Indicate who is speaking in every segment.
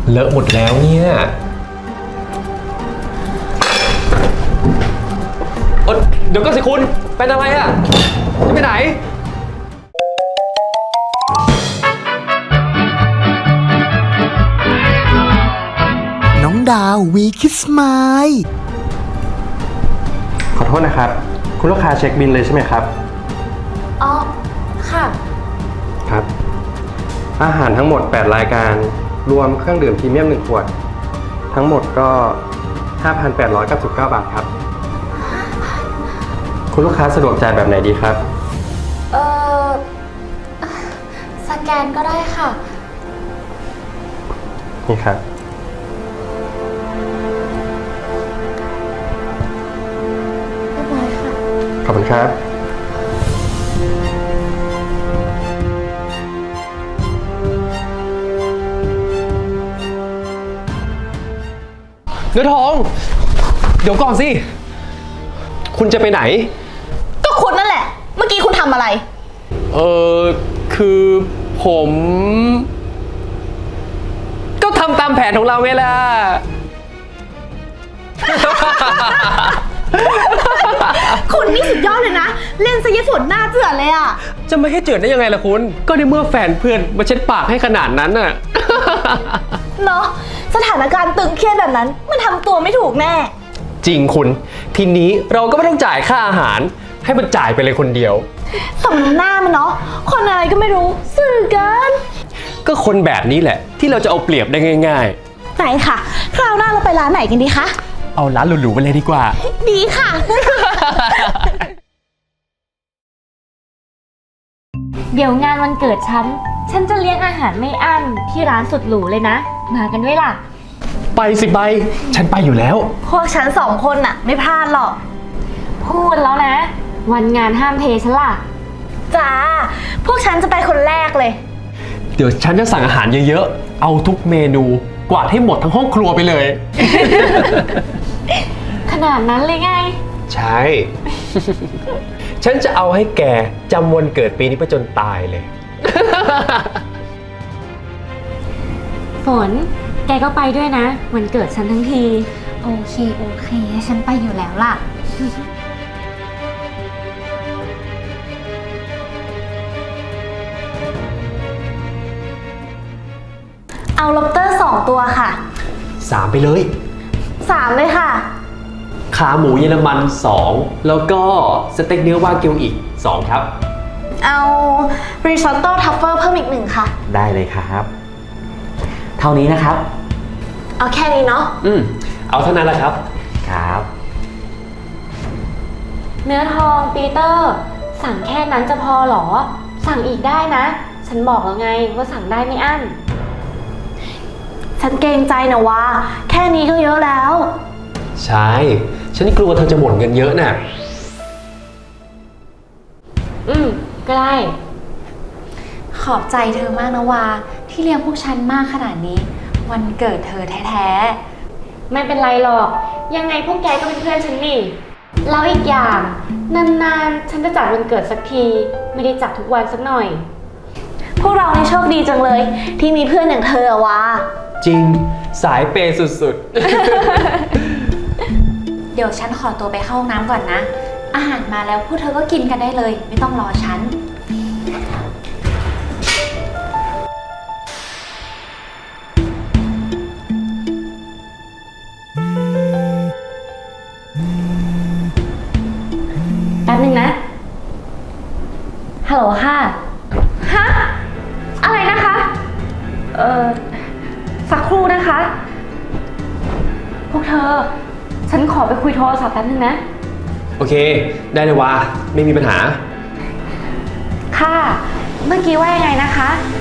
Speaker 1: เลอะหมดแล้วเนี่ยเดี๋ยวก็สิคุณเป็นอะไรอ่ะจะไปไหน
Speaker 2: น้องดาววีคิสไมล์
Speaker 3: ขอโทษนะครับคุณลูกค้าเช็คบิลเลยใช่ไหมครับ
Speaker 4: อ๋อค่ะ
Speaker 3: ครับ อาหารทั้งหมด8รายการรวมเครื่องดื่มพรีเมียม1ขวดทั้งหมดก็ 5,899 บาทครับคุณลูกค้าสะดวกจ่ายแบบไหนดีครับ
Speaker 4: เออสแกนก็ได้ค่ะ
Speaker 3: นี่ครับ
Speaker 4: เรียบร้อยค่ะ
Speaker 3: ขอบคุณครับ
Speaker 1: เนื้อทอง เดี๋ยวก่อนสิคุณจะไปไหน
Speaker 4: ก็คุณนั่นแหละ เมื่อกี้คุณทำอะไร
Speaker 1: คือผมก็ทำตามแผนของเราไงล่ะ
Speaker 4: คุณนี่สุดยอดเลยนะ เล่นซะยฝนหน้าเจือดเลยอะ
Speaker 1: จะไม่ให้เจือดได้ยังไงล่ะคุณ ก็ในเมื่อแฟนเพื่อนมาเช็ดปากให้ขนาดนั้นน่ะ
Speaker 4: เนาะสถานการณ์ตึงเครียดแบบนั้น มันทำตัวไม่ถูกแน่
Speaker 1: จริงคุณ ทีนี้เราก็ไม่ต้องจ่ายค่าอาหาร ให้มันจ่ายไปเลยคนเดียว
Speaker 4: สมหน้ามันเนาะ คนอะไรก็ไม่รู้สื่อเกิน
Speaker 1: ก็คนแบบนี้แหละ ที่เราจะเอาเปรียบได้ง่าย
Speaker 4: ไหนค่ะ คราวหน้าเราไปร้านไหนกันดีคะ
Speaker 1: ๆ เอาร้านหรูๆไปเลยดีกว่า
Speaker 4: ดีค่ะ
Speaker 5: เดี๋ยวงานวันเกิดฉันจะเลี้ยงอาหารไม่อั้นที่ร้านสุดหรูเลยนะ มากันด้วยล่ะ
Speaker 1: ไปสิใบ ฉันไปอยู่แล้ว
Speaker 4: พวกฉันสองคนน่ะ ไม่พลาดหรอก
Speaker 5: พูดแล้วนะ วันงานห้ามเทฉันล่ะ
Speaker 4: จ้า พวกฉันจะไปคนแรกเลย
Speaker 1: เดี๋ยวฉันจะสั่งอาหารเยอะๆ เอาทุกเมนูกวาดให้หมดทั้งห้องครัวไปเลย
Speaker 5: ขนาดนั้นเลยไง
Speaker 1: ใช่ ฉันจะเอาให้แกจำวันเกิดปีนี้ไปจนตายเลย
Speaker 5: ฝน แกก็ไปด้วยนะ วันเกิดฉันทั้งที
Speaker 4: โอเค ฉันไปอยู่แล้วล่ะ เอาล็อบสเตอร์2ตัวค่ะ
Speaker 1: 3 ไปเลย
Speaker 4: 3เลยค่ะ
Speaker 1: ขาหมูเยอรมัน 2 แล้วก็สเต็กเนื้อวากิวอีก 2 ครับ
Speaker 4: เอาริซอตโต้ทัฟเฟิลเพิ่มอีก1ค่ะ
Speaker 6: ได้เลยครับ เท่านี้นะครับ
Speaker 4: เอาแค่นี้เนาะ
Speaker 1: เอาเท่านั้นแหละครับ
Speaker 6: ครับ
Speaker 5: เนื้อทองปีเตอร์ สั่งแค่นั้นจะพอเหรอ สั่งอีกได้นะ ฉันบอกแล้วไงว่าสั่งได้ไม่อั้น
Speaker 4: ฉันเกรงใจนะว่า แค่นี้ก็เยอะแล้ว
Speaker 1: ใช่ ฉันกลัวเธอจะหมดเงินเยอะน่ะ
Speaker 5: ก็ได้
Speaker 7: ขอบใจเธอมากนะวาที่เลี้ยงพวกฉันมากขนาดนี้ วันเกิดเธอแท้
Speaker 5: ไม่เป็นไรหรอก ยังไงพวกแกก็เป็นเพื่อนฉันนี่ แล้วอีกอย่าง นานๆ ฉันจะจัดวันเกิดสักที ไม่ได้จัดทุกวันสักหน่อย
Speaker 4: พวกเรานี่โชคดีจังเลย ที่มีเพื่อนอย่างเธออะวะ
Speaker 1: จริง สายเปย์สุด
Speaker 7: ๆ เดี๋ยวฉันขอตัวไปเข้าห้องน้ำก่อนนะ อาหารมาแล้วพวกเธอก็กินกันได้เลย ไม่ต้องรอฉัน
Speaker 5: แป๊บนึงนะ ฮัลโหลค่ะ ฮะ อะไรนะคะ สักครู่นะคะ พวกเธอ ฉันขอไปคุยโทรศัพท์แป๊บนึงนะ
Speaker 1: โอเค ได้เลยว่าไม่มีปัญหา
Speaker 5: ค่ะ เมื่อกี้ว่ายังไงนะคะ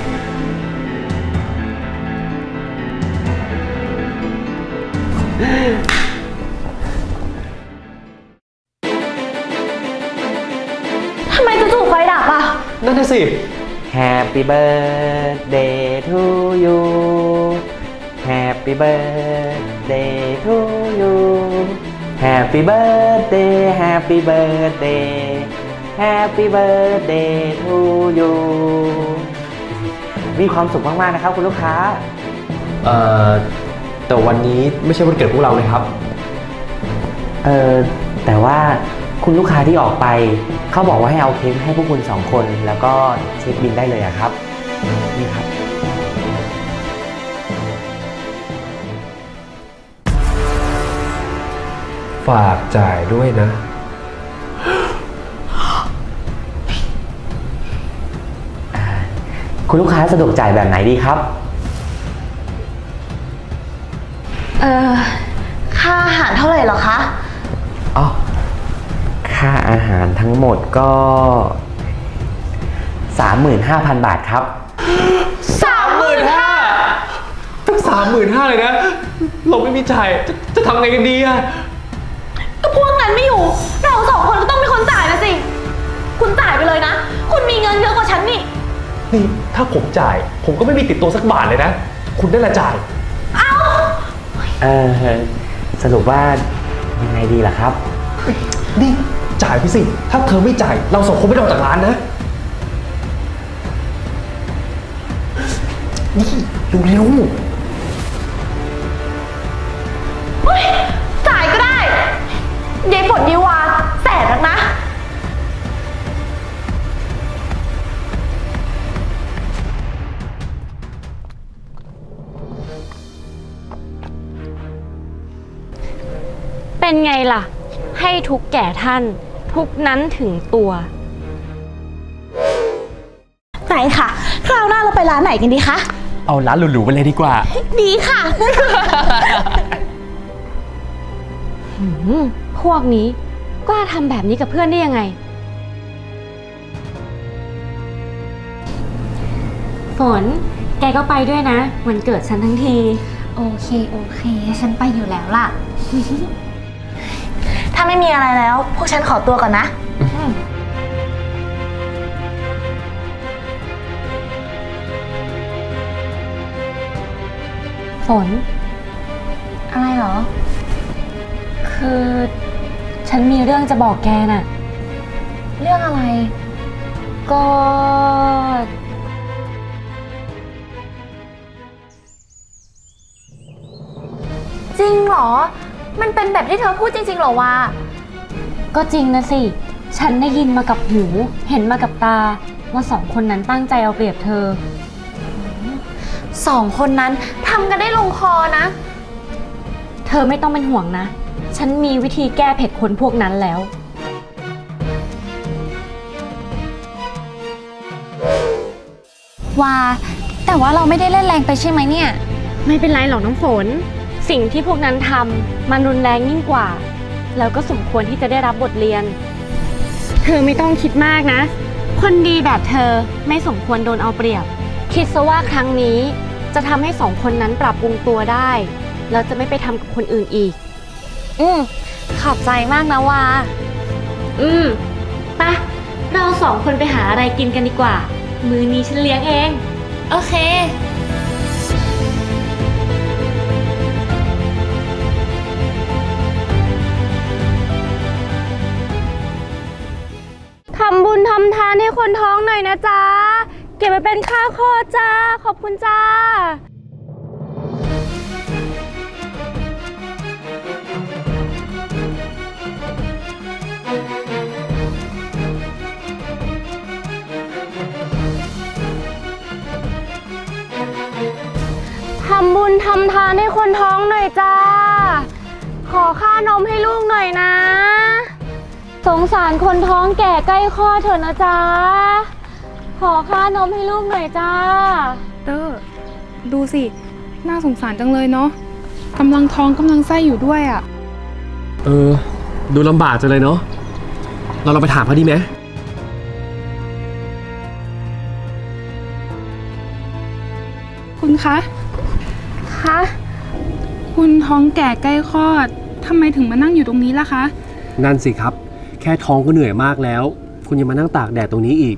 Speaker 4: ทำไมจู่ๆไฟดับอะ
Speaker 1: นั่นน่ะสิ
Speaker 6: Happy birthday to you Happy birthday to you Happy birthday Happy birthday Happy birthday to you มีความสุขมากๆนะครับคุณลูกค้า
Speaker 1: เอ่อแต่วันนี้ไม่ใช่วันเกิดพวกเราเลยครับ
Speaker 6: แต่ว่าคุณลูกค้าที่ออกไป เขาบอกว่าให้เอาเค้กให้พวกคุณ2 คน แล้วก็เช็คบิลได้เลยอะครับ นี่ครับ
Speaker 1: ฝากจ่ายด้วยนะ
Speaker 6: คุณลูกค้าสะดวกจ่ายแบบไหนดีครับ
Speaker 4: ค่าอาหารเท่าไหร่เหรอคะ
Speaker 6: อ๋อ ค่าอาหารทั้งหมดก็ 35,000 บาทครับ
Speaker 1: ตั้ง35,000เลยนะ เราไม่มีจ่ายจะทำไงกันดีอะ
Speaker 4: ก็พวกนั้นไม่อยู่ เรา2 คนก็ต้องเป็นคนจ่ายนะสิ คุณจ่ายไปเลยนะ คุณมีเงินเยอะกว่าฉันนี่
Speaker 1: นี่ถ้าผมจ่าย ผมก็ไม่มีติดตัวสักบาทเลยนะ คุณได้ละจ่าย
Speaker 6: สรุปว่ายังไงดีล่ะครับ
Speaker 1: นี่จ่ายไปสิ ถ้าเธอไม่จ่าย เรา2 คนไม่ได้ออกจากร้านนะ นี่เร็ว
Speaker 4: จ่ายก็ได้ยายฝนยีวาแสบนักนะ
Speaker 5: เป็นไงล่ะ ให้ทุกแก่ท่าน ทุกนั้นถึงตัว
Speaker 4: ไหนค่ะ คราวหน้าเราไปร้านไหนกันดีคะ
Speaker 1: ๆเอาร้านหรูๆไปเลยดีกว่า
Speaker 4: ดีค่ะ
Speaker 5: พวกนี้กล้าทำแบบนี้กับเพื่อนได้ยังไง ฝน แกก็ไปด้วยนะ วันเกิดฉันทั้งที
Speaker 7: โอเค ฉันไปอยู่แล้วล่ะ
Speaker 4: ถ้าไม่มีอะไรแล้ว พวกฉันขอตัวก่อนนะ
Speaker 5: ฝน
Speaker 7: อะไรเหรอ
Speaker 5: คือฉันมีเรื่องจะบอกแกน่ะ
Speaker 7: เรื่องอะไร
Speaker 5: ก็
Speaker 7: จริงเหรอ มันเป็นแบบที่เธอพูดจริงๆเหรอวะ
Speaker 5: ก็จริงนะสิ ฉันได้ยินมากับหู เห็นมากับตา ว่า2 คนนั้นตั้งใจเอาเปรียบเธอ
Speaker 7: 2 คนนั้นทำกันได้ลงคอนะ
Speaker 5: เธอไม่ต้องเป็นห่วงนะ ฉันมีวิธีแก้เผ็ดคนพวกนั้นแล้ว
Speaker 7: ว่าแต่ว่าเราไม่ได้เล่นแรงไปใช่ไหมเนี่ย
Speaker 5: ไม่เป็นไรหรอกน้ำฝน สิ่งที่พวกนั้นทำมันรุนแรงยิ่งกว่า แล้วก็สมควรที่จะได้รับบทเรียน เธอไม่ต้องคิดมากนะ คนดีแบบเธอไม่สมควรโดนเอาเปรียบ คิดซะว่าครั้งนี้จะทำให้2 คนนั้นปรับปรุงตัวได้ แล้วจะไม่ไปทำกับคนอื่นอีก
Speaker 7: ขอบใจมากนะวา
Speaker 5: ไปเรา2 คนไปหาอะไรกินกันดีกว่า มื้อนี้ฉันเลี้ยงเอง
Speaker 7: โอเค
Speaker 5: ทำบุญทำทานให้คนท้องหน่อยนะจ๊ะ เก็บไปเป็นค่าคลอดจ้า ขอบคุณจ้า ทำบุญทำทานให้คนท้องหน่อยจ้า ขอค่านมให้ลูกหน่อยนะ สงสารคนท้องแก่ใกล้คลอดเถอะนะจ๊ะ ขอค่านมให้ลูกหน่อยจ้า
Speaker 8: เตอร์ดูสิ น่าสงสารจังเลยเนาะกำลังท้องกำลังไส้อยู่ด้วยอะ่ะ
Speaker 1: ดูลำบากจังเลยเนาะ เราไปถามเขาดีไหม
Speaker 8: คุณคะ
Speaker 5: คะ
Speaker 8: คุณท้องแก่ใกล้คลอดทำไมถึงมานั่งอยู่ตรงนี้ล่ะคะ
Speaker 1: นั่นสิครับ แค่ท้องก็เหนื่อยมากแล้ว คุณยังมานั่งตากแดดตรงนี้อีก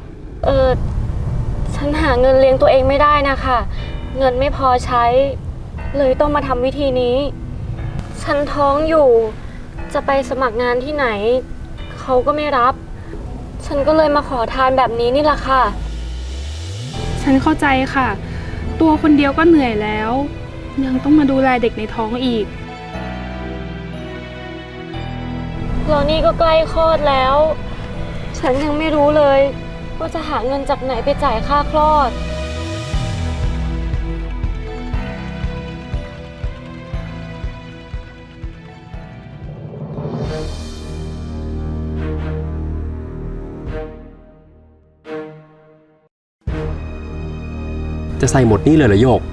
Speaker 5: ฉันหาเงินเลี้ยงตัวเองไม่ได้นะคะ เงินไม่พอใช้ เลยต้องมาทำวิธีนี้ ฉันท้องอยู่ จะไปสมัครงานที่ไหน เขาก็ไม่รับ ฉันก็เลยมาขอทานแบบนี้นี่แหละค่ะ
Speaker 8: ฉันเข้าใจค่ะตัวคนเดียวก็เหนื่อยแล้ว ยังต้องมาดูแลเด็กในท้องอีก
Speaker 5: แล้วนี่ก็ใกล้คลอดแล้ว ฉันยังไม่รู้เลยว่าจะหาเงินจากไหนไปจ่ายค่าคลอด
Speaker 1: จะใส่หมดนี่เลยเหรอโยก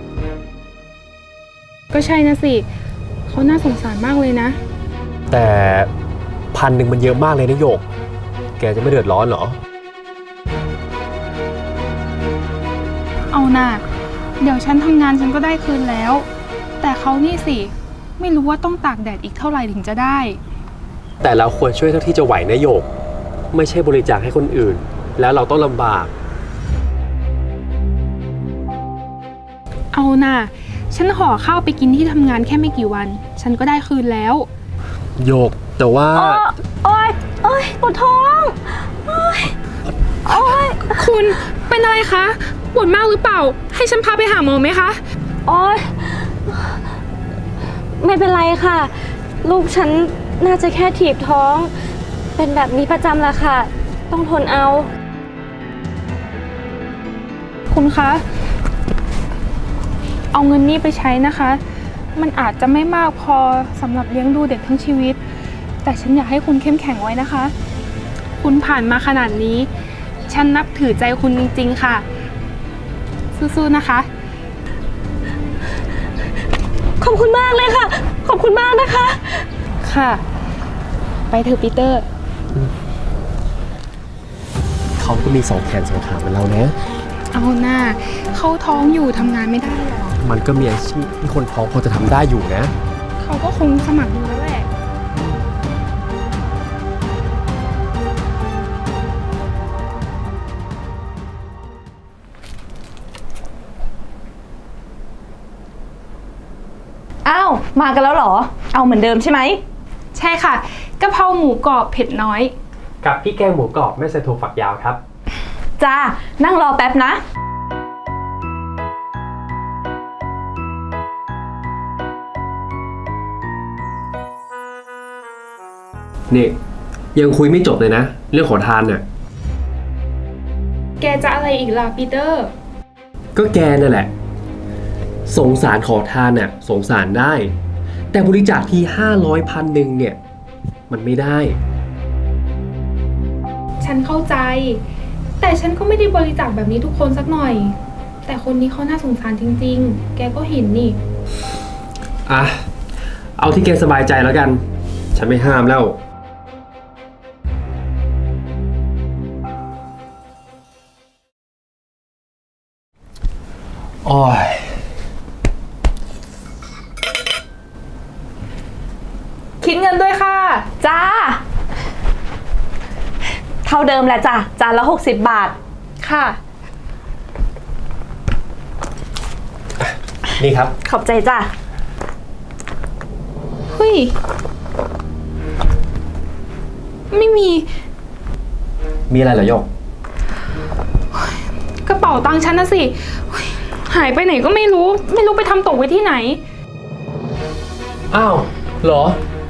Speaker 8: ก็ใช่นะสิเขาน่าสงสารมากเลยนะ
Speaker 1: แต่1,000มันเยอะมากเลยนะโยก แกจะไม่เดือดร้อนเหรอ
Speaker 8: เอาน่ะเดี๋ยวฉันทำงานฉันก็ได้คืนแล้ว แต่เขานี่สิไม่รู้ว่าต้องตากแดดอีกเท่าไหร่ถึงจะได้
Speaker 1: แต่เราควรช่วยเท่าที่จะไหวนะโยก ไม่ใช่บริจาคให้คนอื่น แล้วเราต้องลำบาก
Speaker 8: เอาน่ะฉันห่อข้าวไปกินที่ทำงานแค่ไม่กี่วัน ฉันก็ได้คืนแล้ว
Speaker 1: โยก แต่ว่า
Speaker 4: โอ๊ยโอ๊ยปวดท้องโอ๊ยโอ๊ย
Speaker 8: คุณเป็นอะไรคะปวดมากหรือเปล่า ให้ฉันพาไปหาหมอไหมคะ
Speaker 5: โอ๊ย ไม่เป็นไรค่ะ ลูกฉันน่าจะแค่ถีบท้อง เป็นแบบนี้ประจำละค่ะ ต้องทนเอา
Speaker 8: คุณคะ เอาเงินนี้ไปใช้นะคะ มันอาจจะไม่มากพอสำหรับเลี้ยงดูเด็กทั้งชีวิต แต่ฉันอยากให้คุณเข้มแข็งไว้นะคะ คุณผ่านมาขนาดนี้ ฉันนับถือใจคุณจริงๆค่ะ สู้ๆนะคะ
Speaker 5: ขอบคุณมากเลยค่ะ ขอบคุณมากนะคะ
Speaker 8: ค่ะ ไปเถอะปีเตอร์
Speaker 1: เขาก็มี2 แขน 2 ขาเหมือนเรานะ
Speaker 8: เอาหน้าเขาท้องอยู่ทำงานไม่ได้หรอก
Speaker 1: มันก็มีอาชีพที่คนท้องพอจะทำได้อยู่นะ
Speaker 8: เขาก็คงสมัครดูแล้วแหละ
Speaker 4: อ้าว มากันแล้วเหรอ เอาเหมือนเดิมใช่ไหม
Speaker 8: ใช่ค่ะกะเพราหมูกรอบเผ็ดน้อย
Speaker 1: กับพี่แกงหมูกรอบไม่ใส่ถั่วฝักยาวครับ
Speaker 4: จ้า นั่งรอแป๊บนะ
Speaker 1: นี่ยังคุยไม่จบเลยนะ เรื่องขอทานเนี่ย
Speaker 8: แกจะอะไรอีกล่ะปีเตอร์
Speaker 1: ก็แกนั่นแหละ สงสารขอทานน่ะสงสารได้ แต่บริจาคที่500 1,000เนี่ย มันไม่ได้
Speaker 8: ฉันเข้าใจ แต่ฉันก็ไม่ได้บริจาคแบบนี้ทุกคนสักหน่อย แต่คนนี้เขาน่าสงสารจริงๆ แกก็เห็นนี่
Speaker 1: อ่ะ เอาที่แกสบายใจแล้วกัน ฉันไม่ห้ามแล้ว โอ้ย
Speaker 4: คิดเงินด้วยค่ะ จ้า เท่าเดิมแหละจ้ะ จานละ60 บาท
Speaker 8: ค่ะ
Speaker 1: นี่ครับ
Speaker 4: ขอบใจจ้ะ
Speaker 8: เฮ้ย ไม่มี
Speaker 1: มีอะไรเหรอโยก
Speaker 8: กระเป๋าตังค์ฉันนะสิเฮ้ยหายไปไหนก็ไม่รู้ ไม่รู้ไปทำตกไว้ที่ไหน
Speaker 1: อ้าว เหรอ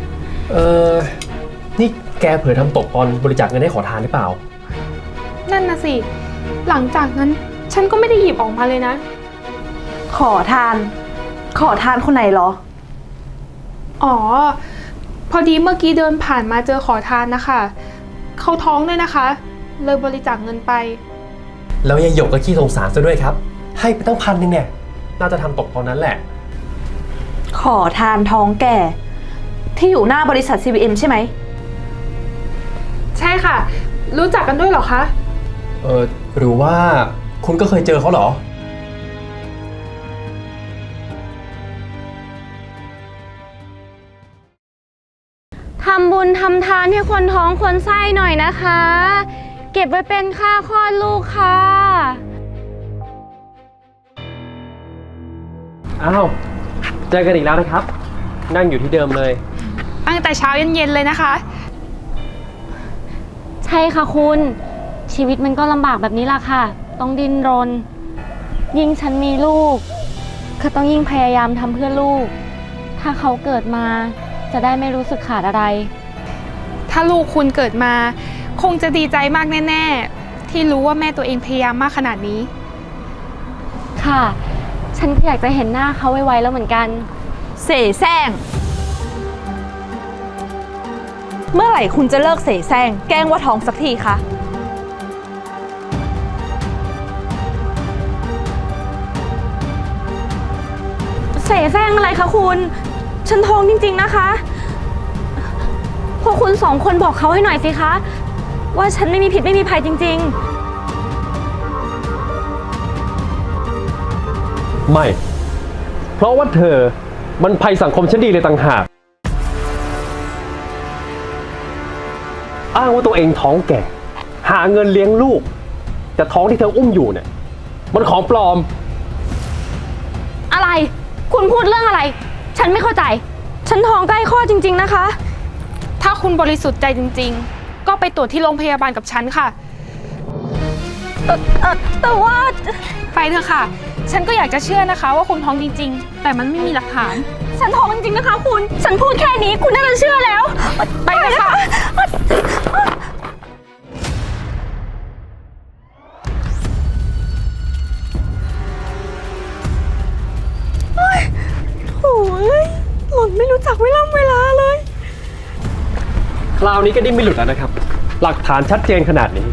Speaker 1: นี่แกเผลอทำตกตอนบริจาคเงินให้ขอทานหรือเปล่า
Speaker 8: นั่นนะสิ หลังจากนั้นฉันก็ไม่ได้หยิบออกมาเลยนะ
Speaker 4: ขอทาน ขอทานคนไหนเหรอ
Speaker 8: อ๋อ พอดีเมื่อกี้เดินผ่านมาเจอขอทานนะคะเขาท้องด้วยนะคะ เลยบริจาคเงินไป
Speaker 1: แล้วยายหยกก็ขี้สงสารซะด้วยครับ ให้ไปตั้ง1,000เนี่ย น่าจะทำตกตอนนั้นแหละ
Speaker 4: ขอทานท้องแก่ ที่อยู่หน้าบริษัท CVM ใช่ไหม
Speaker 8: ใช่ค่ะ รู้จักกันด้วยเหรอคะ
Speaker 1: หรือว่าคุณก็เคยเจอเขาเหรอ
Speaker 5: ทำบุญทำทานให้คนท้องคนไส้หน่อยนะคะ เก็บไว้เป็นค่าคลอดลูกค่ะ
Speaker 1: อ้าว เจอกันอีกแล้วนะครับ นั่งอยู่ที่เดิมเลย
Speaker 8: ตั้งแต่เช้าเย็นๆเลยนะคะ
Speaker 5: ใช่ค่ะคุณ ชีวิตมันก็ลำบากแบบนี้ล่ะค่ะ ต้องดิ้นรนยิ่งฉันมีลูกก็ต้องยิ่งพยายามทำเพื่อลูก ถ้าเขาเกิดมาจะได้ไม่รู้สึกขาดอะไร
Speaker 8: ถ้าลูกคุณเกิดมาคงจะดีใจมากแน่ๆที่รู้ว่าแม่ตัวเองพยายามมากขนาดนี้
Speaker 5: ค่ะ ฉันก็อยากจะเห็นหน้าเขาไวๆแล้วเหมือนกัน
Speaker 4: เสแสร้งเมื่อไหร่คุณจะเลิกเสแสร้งแกล้งว่าท้องสักทีคะ
Speaker 5: เสแสร้งอะไรคะคุณ ฉันท้องจริงๆนะคะพวกคุณ2 คนบอกเขาให้หน่อยสิคะ ว่าฉันไม่มีผิดไม่มีภัยจริงๆ
Speaker 1: ไม่ เพราะว่าเธอมันภัยสังคมชั้นดีเลยต่างหาก อ้างว่าตัวเองท้องแก่ หาเงินเลี้ยงลูก แต่ท้องที่เธออุ้มอยู่เนี่ยมันของปลอม
Speaker 5: อะไร คุณพูดเรื่องอะไร ฉันไม่เข้าใจ ฉันท้องใกล้คลอดจริงๆนะคะ
Speaker 8: ถ้าคุณบริสุทธิ์ใจจริงๆ ก็ไปตรวจที่โรงพยาบาลกับฉันค่ะ
Speaker 5: แต่ว่า
Speaker 8: ไปเถอะค่ะ ฉันก็อยากจะเชื่อนะคะว่าคุณท้องจริงๆ แต่มันไม่มีหลักฐาน
Speaker 5: ฉันท้องจริงๆนะคะคุณ ฉันพูดแค่นี้คุณน่าจะเชื่อแล้ว
Speaker 8: ไปเลยค่ะ
Speaker 5: โอ้ยหล่อนไม่รู้จักเวลาเลย
Speaker 1: คราวนี้ก็ดิ้นไม่หลุดแล้วนะครับ หลักฐานชัดเจนขนาดนี้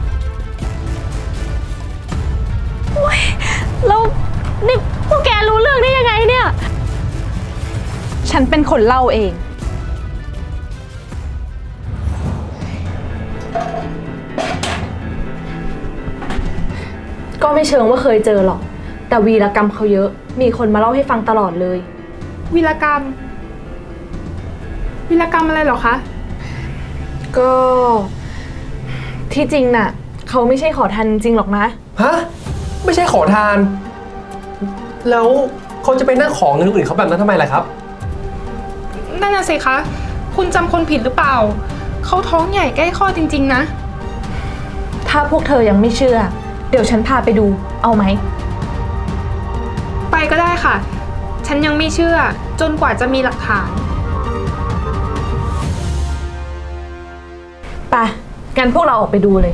Speaker 5: แล้วนี่พวกแกรู้เรื่องได้ยังไงเนี่ย
Speaker 4: ฉันเป็นคนเล่าเอง ก็ไม่เชิงว่าเคยเจอหรอก แต่วีรกรรมเขาเยอะ มีคนมาเล่าให้ฟังตลอดเลย
Speaker 8: วีรกรรมอะไรเหรอคะ
Speaker 4: ก็ที่จริงน่ะ เขาไม่ใช่ขอทานจริงหรอกนะ
Speaker 3: ฮะ ไม่ใช่ขอทาน แล้วเขาจะไปนั่งขอเงินคนอื่นเขาแบบนั้นทำไมล่ะครับ
Speaker 8: นั่นน่ะสิคะ คุณจำคนผิดหรือเปล่า เขาท้องใหญ่ใกล้คลอดจริงๆนะ
Speaker 4: ถ้าพวกเธอยังไม่เชื่อ เดี๋ยวฉันพาไปดู เอาไหม
Speaker 8: ไปก็ได้ค่ะ ฉันยังไม่เชื่อจนกว่าจะมีหลักฐาน
Speaker 4: ไปงั้นพวกเราออกไปดูเลย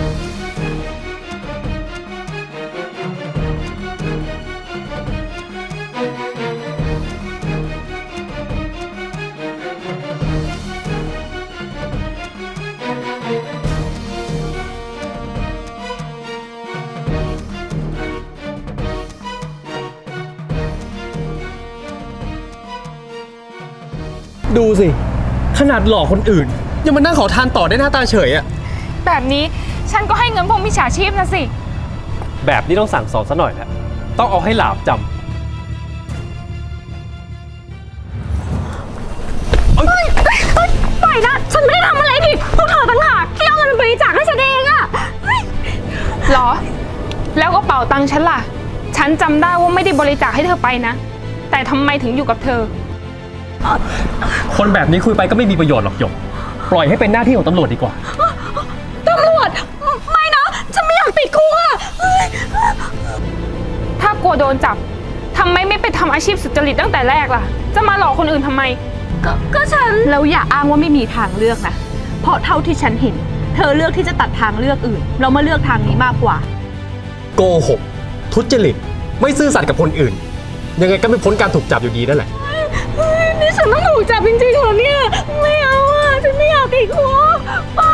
Speaker 3: ดูสิ ขนาดหลอกคนอื่น ยังมานั่งขอทานต่อได้หน้าตาเฉยอะ
Speaker 8: แบบนี้ฉันก็ให้เงินพวกมิจฉาชีพนะสิ
Speaker 1: แบบนี้ต้องสั่งสอนซะหน่อยแหละต้องเอาให้หลาบจำ
Speaker 5: ปล่อยนะ ฉันไม่ได้ทำอะไรผิด พวกเธอต่างหากที่เอาเงินไปบริจาคให้ฉันเองอะ
Speaker 8: หรอ แล้วกระเป๋าตังค์ฉันล่ะ ฉันจำได้ว่าไม่ได้บริจาคให้เธอไปนะ แต่ทำไมถึงอยู่กับเธอ
Speaker 1: คนแบบนี้คุยไปก็ไม่มีประโยชน์หรอกหยก ปล่อยให้เป็นหน้าที่ของตำรวจดีกว่า
Speaker 5: ตำรวจ ไม่นะ ฉันไม่อยากติดคุกอะ
Speaker 8: ถ้ากลัวโดนจับทำไมไม่ไปทำอาชีพสุจริตตั้งแต่แรกล่ะ จะมาหลอกคนอื่นทำไม
Speaker 5: ก็ฉัน
Speaker 4: แล้วอย่าอ้างว่าไม่มีทางเลือกนะ เพราะเท่าที่ฉันเห็น เธอเลือกที่จะตัดทางเลือกอื่น เรามาเลือกทางนี้มากกว่า
Speaker 3: โกหก ทุจริต ไม่ซื่อสัตย์กับคนอื่น ยังไงก็ไม่พ้นการถูกจับอยู่ดีนั่นแหละ
Speaker 5: นี่ฉันต้องถูกจับจริงๆเหรอเนี่ย ไม่เอาอะฉันไม่อยากติดคุกไป